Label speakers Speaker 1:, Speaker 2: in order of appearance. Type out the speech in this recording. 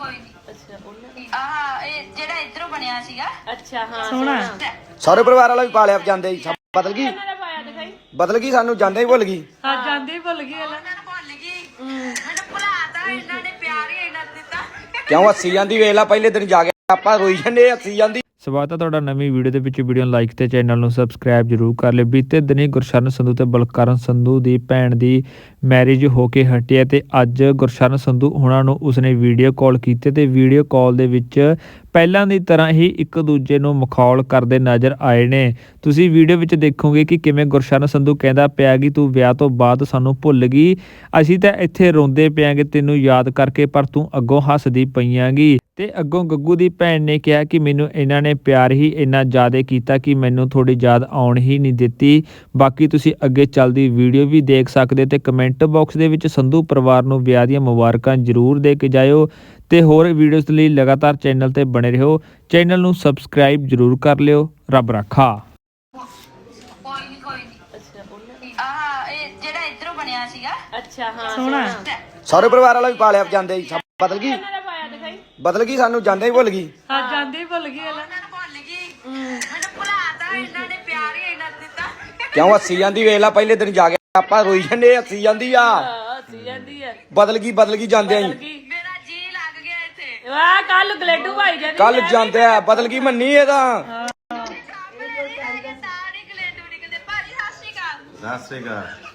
Speaker 1: ਅੱਛਾ ਉਹਨਾਂ ਦੀ
Speaker 2: ਇਹ ਜਿਹੜਾ ਇਧਰੋਂ ਬਣਿਆ ਸੀਗਾ।
Speaker 1: ਅੱਛਾ ਹਾਂ
Speaker 3: ਸੋਹਣਾ
Speaker 4: ਸਾਰੇ ਪਰਿਵਾਰ ਵਾਲਾ ਵੀ ਪਾ ਲਿਆ ਜਾਂਦੇ ਸਭ ਬਦਲ ਗਈ
Speaker 1: ਇਹਨਾਂ ਨੇ ਪਾਇਆ ਦਿਖਾਈ
Speaker 4: ਬਦਲ ਗਈ ਸਾਨੂੰ ਜਾਂਦੇ ਹੀ ਭੁੱਲ ਗਈ।
Speaker 3: ਹਾਂ ਜਾਂਦੇ ਹੀ ਭੁੱਲ ਗਈ
Speaker 2: ਉਹਨਾਂ ਨੂੰ ਭੁੱਲ ਗਈ ਮੈਨੂੰ ਭੁਲਾਤਾ ਇਹਨਾਂ ਨੇ ਪਿਆਰ ਹੀ ਇੰਨਾ ਦਿੱਤਾ।
Speaker 4: ਕਿਉਂ ਹੱਸੀ ਜਾਂਦੀ ਵੇਖ ਲਾ ਪਹਿਲੇ ਦਿਨ ਜਾ ਕੇ ਆਪਾਂ ਰੋਈ ਜੰਨੇ ਹੱਸੀ ਜਾਂਦੀ।
Speaker 5: ਸਵਾਗਤ ਹੈ ਤੁਹਾਡਾ ਨਵੀਂ ਵੀਡੀਓ ਦੇ ਵਿੱਚ। ਵੀਡੀਓ ਨੂੰ ਲਾਈਕ ਤੇ ਚੈਨਲ ਨੂੰ ਸਬਸਕ੍ਰਾਈਬ ਜ਼ਰੂਰ ਕਰ ਲਿਓ। ਬੀਤੇ ਦਿਨੀ ਗੁਰਸ਼ਰਨ ਸੰਧੂ ਤੇ ਬਲਕਰਨ ਸੰਧੂ ਦੀ ਭੈਣ ਦੀ ਮੈਰਿਜ ਹੋ ਕੇ ਹਟੀ ਹੈ ਤੇ ਅੱਜ ਗੁਰਸ਼ਰਨ ਸੰਧੂ ਉਹਨਾਂ ਨੂੰ ਉਸਨੇ ਵੀਡੀਓ ਕਾਲ ਕੀਤੀ ਤੇ ਵੀਡੀਓ ਕਾਲ ਦੇ ਵਿੱਚ ਪਹਿਲਾਂ ਦੀ ਤਰ੍ਹਾਂ ਹੀ ਇੱਕ ਦੂਜੇ ਨੂੰ ਮਖੌਲ ਕਰਦੇ ਨਜ਼ਰ ਆਏ ਨੇ। ਤੁਸੀਂ ਵੀਡੀਓ ਵਿੱਚ ਦੇਖੋਗੇ ਕਿ ਕਿਵੇਂ ਗੁਰਸ਼ਰਨ ਸੰਧੂ ਕਹਿੰਦਾ ਪਿਆ ਕਿ ਤੂੰ ਵਿਆਹ ਤੋਂ ਬਾਅਦ ਸਾਨੂੰ ਭੁੱਲ ਗਈ, ਅਸੀਂ ਤਾਂ ਇੱਥੇ ਰੋਂਦੇ ਪਿਆਂਗੇ ਤੈਨੂੰ ਯਾਦ ਕਰਕੇ, ਪਰ ਤੂੰ ਅੱਗੋਂ ਹੱਸਦੀ ਪਈਆਂਗੀ। ਤੇ ਅੱਗੋਂ ਗੱਗੂ ਦੀ ਭੈਣ ਨੇ ਕਿਹਾ ਕਿ ਮੈਨੂੰ ਇਹਨਾਂ ਨੇ ਪਿਆਰ ਹੀ ਇੰਨਾ ਜ਼ਿਆਦਾ ਕੀਤਾ ਕਿ ਮੈਨੂੰ ਥੋੜੀ ਯਾਦ ਆਉਣ ਹੀ ਨਹੀਂ ਦਿੱਤੀ। ਬਾਕੀ ਤੁਸੀਂ ਅੱਗੇ ਚੱਲਦੀ ਵੀਡੀਓ ਵੀ ਦੇਖ ਸਕਦੇ ਤੇ ਕਮੈਂਟ ਬਾਕਸ ਦੇ ਵਿੱਚ ਸੰਧੂ ਪਰਿਵਾਰ ਨੂੰ ਵਿਆਹ ਦੀਆਂ ਮੁਬਾਰਕਾਂ ਜ਼ਰੂਰ ਦੇ ਕੇ ਜਾਇਓ ਤੇ ਹੋਰ ਵੀਡੀਓਜ਼ ਲਈ ਲਗਾਤਾਰ ਚੈਨਲ ਤੇ ਬਣੇ ਰਹੋ। ਚੈਨਲ ਨੂੰ ਸਬਸਕ੍ਰਾਈਬ ਜ਼ਰੂਰ ਕਰ ਲਿਓ। ਰੱਬ ਰਾਖਾ।
Speaker 2: ਕੋਈ ਨਹੀਂ
Speaker 1: ਅੱਛਾ ਉਹਨਾਂ ਦੀ
Speaker 2: ਇਹ ਜਿਹੜਾ ਇਧਰੋਂ ਬਣਿਆ ਸੀਗਾ।
Speaker 1: ਅੱਛਾ ਹਾਂ
Speaker 3: ਸੋਹਣਾ
Speaker 4: ਸਾਰੇ ਪਰਿਵਾਰ ਵਾਲਾ ਵੀ ਪਾ ਲਿਆ ਜਾਂਦੇ ਸਭ ਬਦਲ ਗਈ
Speaker 1: ਇਹਨਾਂ ਨੇ ਪਾਇਆ ਦਿਖਾਈ
Speaker 4: ਬਦਲ ਗਈ ਸਾਨੂੰ ਜਾਂਦੇ ਹੀ ਭੁੱਲ ਗਈ।
Speaker 3: ਹਾਂ ਜਾਂਦੇ ਹੀ ਭੁੱਲ ਗਈ
Speaker 2: ਉਹਨਾਂ ਨੂੰ ਭੁੱਲ ਗਈ ਮੈਨੂੰ ਭੁਲਾਤਾ ਇਹਨਾਂ ਨੇ ਪਿਆਰ ਹੀ ਇੰਨਾ ਦਿੱਤਾ।
Speaker 4: ਕਿਉਂ ਹੱਸੀ ਜਾਂਦੀ ਵੇਖ ਲਾ ਪਹਿਲੇ ਦਿਨ ਜਾ ਕੇ ਆਪਾਂ ਰੋਈ ਜੰਨੇ ਹੱਸੀ ਜਾਂਦੀ ਆ।
Speaker 1: ਹੱਸੀ ਜਾਂਦੀ ਹੈ
Speaker 4: ਬਦਲ ਗਈ ਜਾਂਦੇ ਆਂ
Speaker 2: ਮੇਰਾ ਜੀ ਲੱਗ ਗਿਆ ਇੱਥੇ।
Speaker 1: ਵਾਹ ਕੱਲ ਗਲੇਡੂ ਭਾਈ ਜਾਂਦੀ
Speaker 4: ਕੱਲ ਜਾਂਦੇ ਆ ਬਦਲ ਗਈ ਮੰਨੀ ਇਹਦਾ।
Speaker 2: ਸਾਰੇ ਗਲੇਡੂ ਨਿਕਲਦੇ ਭਾਜੀ। ਸਤਿ ਸ਼੍ਰੀ ਅਕਾਲ।
Speaker 6: ਸਤਿ ਸ੍ਰੀ ਅਕਾਲ।